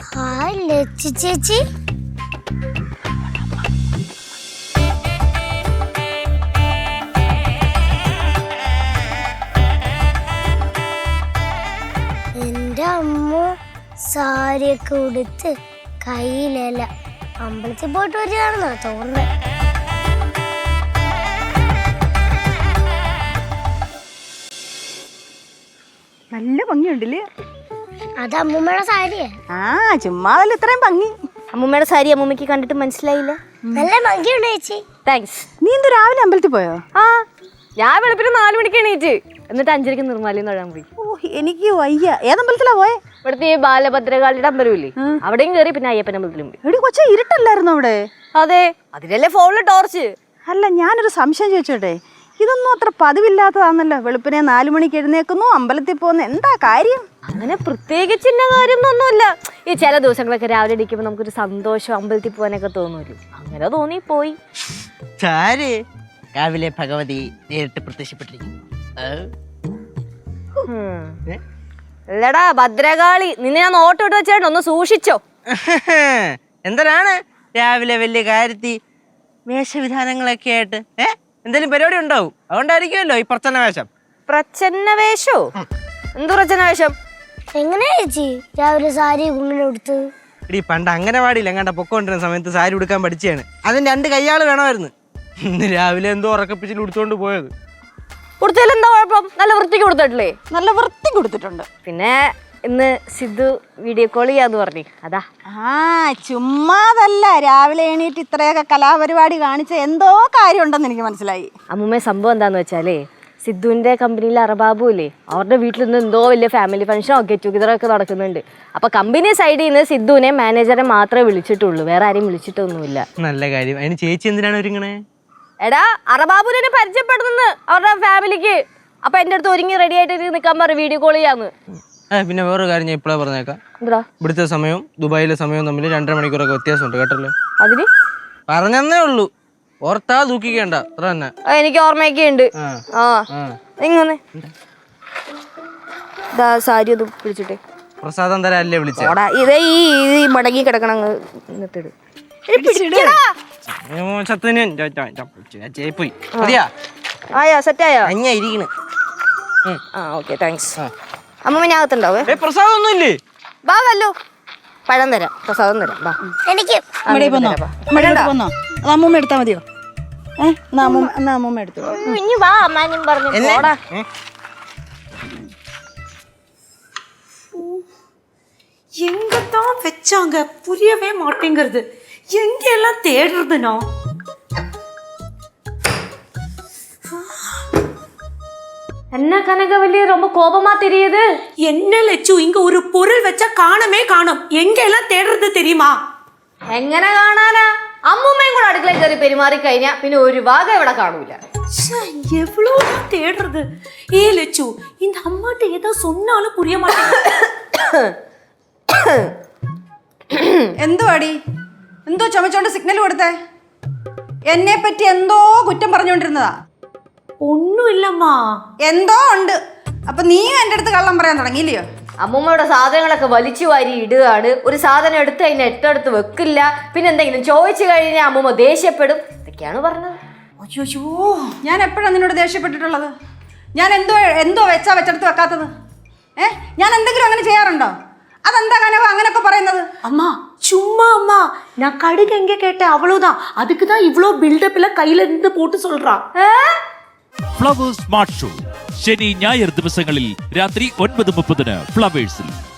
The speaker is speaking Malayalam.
ഹായ് ലച്ചു ചേച്ചി. എന്റെ അമ്മ സാരിയൊക്കെ ഉടുത്ത് കയ്യിലല്ല അമ്പലത്തിൽ പോയിട്ട് വരികയാണെന്നാ തോന്നുന്നത്. നല്ല ഭംഗിയുണ്ടല്ലേ? അത് അമ്മൂമ്മയുടെ സാരിയാ. ആ ചുമ്മാതല്ല ഇത്രയും ഭംഗി. അമ്മൂമ്മയുടെ സാരി അമ്മൂമ്മക്ക് കണ്ടിട്ട് മനസ്സിലായില്ല. നല്ല ഭംഗിയുണ്ട് ചേച്ചി. താങ്ക്സ്. നീ എന്ത് രാവിലെ അമ്പലത്തിൽ പോയോ? ആ ഞാൻ വെളുപ്പിന് 4 മണിക്ക് എണീറ്റ് എന്നിട്ട് 5:30 നിർമ്മാലയം തൊഴാൻ പോയി. ഓ എനിക്ക് വയ്യ. ഏതമ്പലത്തിലാ പോയെ? ഇവിടുത്തെ ഈ ബാലഭദ്രകാളിയുടെ അമ്പലമില്ലേ, അവിടെയും കയറി പിന്നെ അയ്യപ്പൻ അമ്പലത്തിലും പോയി. എടി കൊച്ച ഇരുട്ടല്ലായിരുന്നു അവിടെ? അതെ, അതിലല്ലേ ഫോണില് ടോർച്ച്. അല്ല ഞാനൊരു സംശയം ചോദിച്ചോട്ടെ, ഇതൊന്നും അത്ര പതിവില്ലാത്തതാണല്ലോ. വെളുപ്പിനെ 4 മണിക്ക് എഴുന്നേക്കുന്നു, അമ്പലത്തിൽ പോകുന്ന എന്താ കാര്യം? അങ്ങനെ പ്രത്യേകിച്ചിന്ന കാര്യമൊന്നുമില്ല. ഈ ചില ദിവസങ്ങളൊക്കെ രാവിലെ ഇടിക്കുമ്പോൾ നമുക്കൊരു സന്തോഷം, അമ്പലത്തിൽ പോകാനൊക്കെ തോന്നുമല്ലോ. അങ്ങനെ തോന്നി പോയി. രാവിലെ ഭഗവതി നേരിട്ട് പ്രത്യക്ഷപ്പെട്ടിരിക്കുന്നു. അല്ലടാ ഭദ്രകാളി, നിന്നെ ഞാൻ നോട്ട് ഇട്ട് വെച്ചേട്ടോ, ഒന്ന് സൂക്ഷിച്ചോ. എന്തിനാണ് രാവിലെ വലിയ കാര്യത്തി വേഷവിധാനങ്ങളൊക്കെ ആയിട്ട്? എന്തെങ്കിലും പരിപാടി ഉണ്ടാവും, അതുകൊണ്ടായിരിക്കുമല്ലോ ഈ പ്രച്ഛന്ന വേഷം. പ്രച്ഛന്ന വേഷോ? എന്തു പ്രച്ഛന്ന വേഷം? എങ്ങനെയാ ചേച്ചി രാവിലെ സാരി ഇങ്ങനെ ഉടുത്ത്? ഇടി പണ്ട് അംഗനവാടിയിൽ എങ്ങാണ്ട പൊക്കോണ്ടിരുന്ന സമയത്ത് സാരി ഉടുക്കാൻ പഠിച്ചാണ്. അതിന് 2 കയ്യാള് വേണമായിരുന്നു. ഇന്ന് രാവിലെ എന്തോ ഉറക്കപ്പിച്ചിൽ ഉടുത്തോണ്ട് പോയത്. കൊടുത്തതിൽ എന്താ കുഴപ്പം? നല്ല വൃത്തിക്ക് കൊടുത്തിട്ടില്ലേ? നല്ല വൃത്തി കൊടുത്തിട്ടുണ്ട്. പിന്നെ ഇന്ന് സിദ്ധു വീഡിയോ കോൾ ചെയ്യാന്ന് പറഞ്ഞു, അതാ. ആ ചുമ്മാതല്ല, രാവിലെ എണീറ്റ് ഇത്രയൊക്കെ കലാപരിപാടി കാണിച്ച എന്തോ കാര്യം ഉണ്ടെന്ന് എനിക്ക് മനസ്സിലായി. അമ്മൂമ്മ സംഭവം എന്താന്ന് വെച്ചാലേ, സിദ്ധുവിന്റെ കമ്പനിയിലെ അറബാബു ഇല്ലേ, അവരുടെ വീട്ടിൽ നിന്ന് എന്തോ വലിയ ഫാമിലി ഫംഗ്ഷനോ ഗെറ്റ് ടുഗദറൊക്കെ നടക്കുന്നുണ്ട്. അപ്പൊ കമ്പനി സൈഡിൽ നിന്ന് സിദ്ധുവിനെ മാനേജറെ മാത്രമേ വിളിച്ചിട്ടുള്ളൂ, വേറെ ആരെയും വിളിച്ചിട്ടൊന്നുമില്ല. നല്ല കാര്യം. അതിന് ചേച്ചി എന്തിനാണ് ഒരുങ്ങണേ? എടാ അറബാബുവിനെ പരിചയപ്പെടുന്നു അവരുടെ ഫാമിലിക്ക്. അപ്പൊ എന്റെ അടുത്ത് ഒരുങ്ങി റെഡി ആയിട്ട് നിൽക്കാൻ പറ, വീഡിയോ കോൾ ചെയ്യാന്ന്. പിന്നെ വേറൊരു കാര്യം ഞാൻ ഇപ്പോഴാ പറഞ്ഞേക്കാം. എന്താ? ഇവിടുത്തെ സമയവും ദുബായിലെ സമയവും തമ്മിൽ 2.5 മണിക്കൂറൊക്കെ വ്യത്യാസമുണ്ട് കേട്ടല്ലോ. അതിന് പറഞ്ഞേ ഉള്ളൂ, ഓർത്താ ദൂക്കിക്കേണ്ട, അത്ര തന്നെ. എനിക്ക് ഓർമ്മയൊക്കെ ഉണ്ട്. ഇങ്ങനെ സാരി ഒന്ന് പിടിച്ചിട്ടേ. പ്രസാദം തരാല്ലേ വിളിച്ച? ഇതേ ഈ മടങ്ങി കിടക്കണം. ആയാ സെറ്റായോ? Okay thanks. അമ്മ ഞാൻ അകത്തുണ്ടാവേ. പ്രസാദം ഒന്നും ഇല്ലേ? വാ വല്ലോ, പഴം തരാം, പ്രസാദം തരാം. വാ. എനിക്ക് അമ്മൂമ്മ എടുത്താ മതിയോ? അമ്മൂമ്മ എടുത്തു. ഇനി വാ അമ്മാനും പറഞ്ഞു. எங்கதான் வச்சாங்க புரியவே மாட்டேங்கிறது. எங்க எல்லாம் தேடுறதுனோ? என்ன கனகவல்லி ரொம்ப கோபமா தெரியுது? என்ன லட்சு, இங்க ஒரு பொருள் வச்சா காணமே காணோம். எங்க எல்லாம் தேடுறது தெரியுமா? എങ്ങനെ കാണാനാ? അമ്മൂമ്മയും കൂടെ അടുക്കളയിൽ കയറി പെരുമാറി കഴിഞ്ഞാ പിന്നെ ഒരു ഭാഗം ഇവിടെ കാണൂല. எவ்வளவுதான் தேடுறது? ஏ லட்சு, இந்த அம்மாட்ட ஏதோ சொன்னாலும் புரிய மாட்டேங்குது. എന്തുവാടി, എന്തോ ചുമച്ചോണ്ട് സിഗ്നൽ കൊടുത്തേ? എന്നെ പറ്റി എന്തോ കുറ്റം പറഞ്ഞുകൊണ്ടിരുന്നതാ. ഒന്നും ഇല്ലമ്മാ. എന്തോ ഉണ്ട്. അപ്പൊ നീയും എന്റെ അടുത്ത് കള്ളം പറയാൻ തുടങ്ങിയില്ലയോ? അമ്മൂമ്മയുടെ സാധനങ്ങളൊക്കെ വലിച്ചു വാരി ഇടുകയാണ്. ഒരു സാധനം എടുത്ത് അതിന് എട്ടടുത്ത് വെക്കില്ല. പിന്നെ എന്തെങ്കിലും ചോദിച്ചു കഴിഞ്ഞാൽ അമ്മൂമ്മ ദേഷ്യപ്പെടും. ഇതൊക്കെയാണ് പറഞ്ഞത്. അയ്യോ, ഞാൻ എപ്പോഴാണ് നിന്നോട് ദേഷ്യപ്പെട്ടിട്ടുള്ളത്? ഞാൻ എന്തോ വെച്ചെടുത്ത് വെക്കാത്തത്? ഞാൻ എന്തെങ്കിലും അങ്ങനെ ചെയ്യാറുണ്ടോ? അതെന്താ കനവ അങ്ങനൊക്കെ പറയുന്നത്? அம்மா சும்மா அம்மா, நான் கடுகு எங்க கேட்டேன் அவ்வளவுதான். அதுக்கு தான் இவ்ளோ பில்டப்ல கையில இருந்து போட்டு சொல்றா. ഫ്ലവേഴ്സ് സ്മാർട്ട് ഷോ ശനി ഞായർ ദിവസങ്ങളിൽ രാത്രി 9:30 ഫ്ലവേഴ്സിൽ.